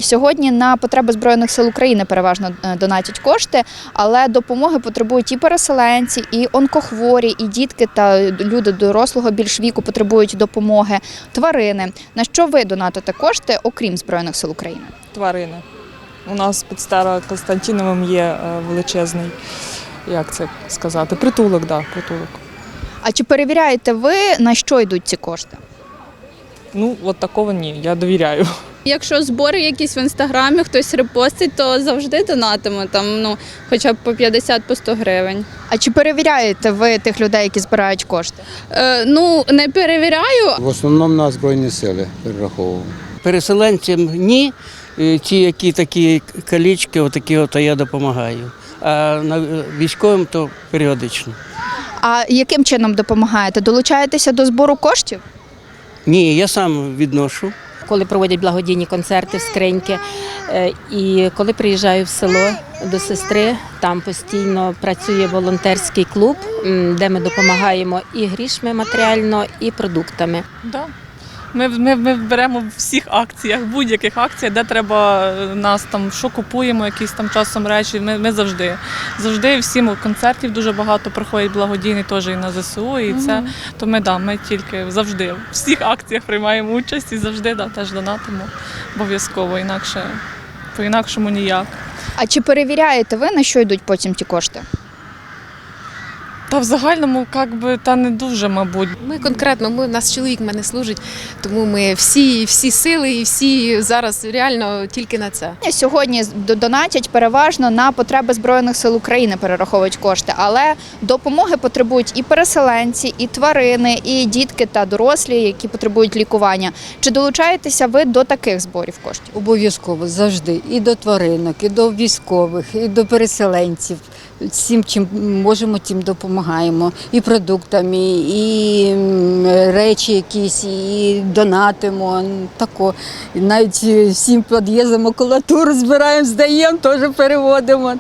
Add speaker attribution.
Speaker 1: Сьогодні на потреби Збройних сил України переважно донатять кошти, але допомоги потребують і переселенці, і онкохворі, і дітки та люди дорослого більш віку потребують допомоги, тварини. На що ви донатите кошти, окрім Збройних сил України?
Speaker 2: Тварини. У нас під Старокостянтиновим є величезний, як це сказати, притулок, да, притулок.
Speaker 1: А чи перевіряєте ви, на що йдуть ці кошти?
Speaker 2: Ну, от такого ні, я довіряю.
Speaker 3: Якщо збори якісь в інстаграмі, хтось репостить, то завжди донатимо, там, хоча б по 50, по 100 гривень.
Speaker 1: А чи перевіряєте ви тих людей, які збирають кошти?
Speaker 3: Не перевіряю.
Speaker 4: В основному на Збройні сили перераховував.
Speaker 5: Переселенцям ні, ті, які такі калічки, отакі, то я допомагаю. А військовим то періодично.
Speaker 1: А яким чином допомагаєте? Долучаєтеся до збору коштів?
Speaker 5: Ні, я сам відношу.
Speaker 6: Коли проводять благодійні концерти в скриньки. І коли приїжджаю в село до сестри, там постійно працює волонтерський клуб, де ми допомагаємо і грішми матеріально, і продуктами.
Speaker 2: Да. Ми беремо в всіх акціях, будь-яких акціях, де треба нас там, що купуємо, якісь там часом речі, ми завжди всім концертів дуже багато проходять благодійний теж і на ЗСУ, і це, то ми тільки завжди в всіх акціях приймаємо участь і завжди теж донатимо обов'язково, по-інакшому ніяк.
Speaker 1: А чи перевіряєте ви, на що йдуть потім ті кошти?
Speaker 2: Та в загальному, не дуже, мабуть.
Speaker 7: Ми конкретно, у нас чоловік в мене служить, тому ми всі сили і всі зараз реально тільки на це.
Speaker 1: Сьогодні донатять переважно на потреби Збройних сил України, перераховують кошти, але допомоги потребують і переселенці, і тварини, і дітки та дорослі, які потребують лікування. Чи долучаєтеся ви до таких зборів коштів?
Speaker 8: Обов'язково, завжди. І до тваринок, і до військових, і до переселенців. Всім, чим можемо, тим допомагаємо. І продуктами, і речі якісь, і донатимо. Тако. І навіть всім під'їздам макулатуру збираємо, здаємо, теж переводимо.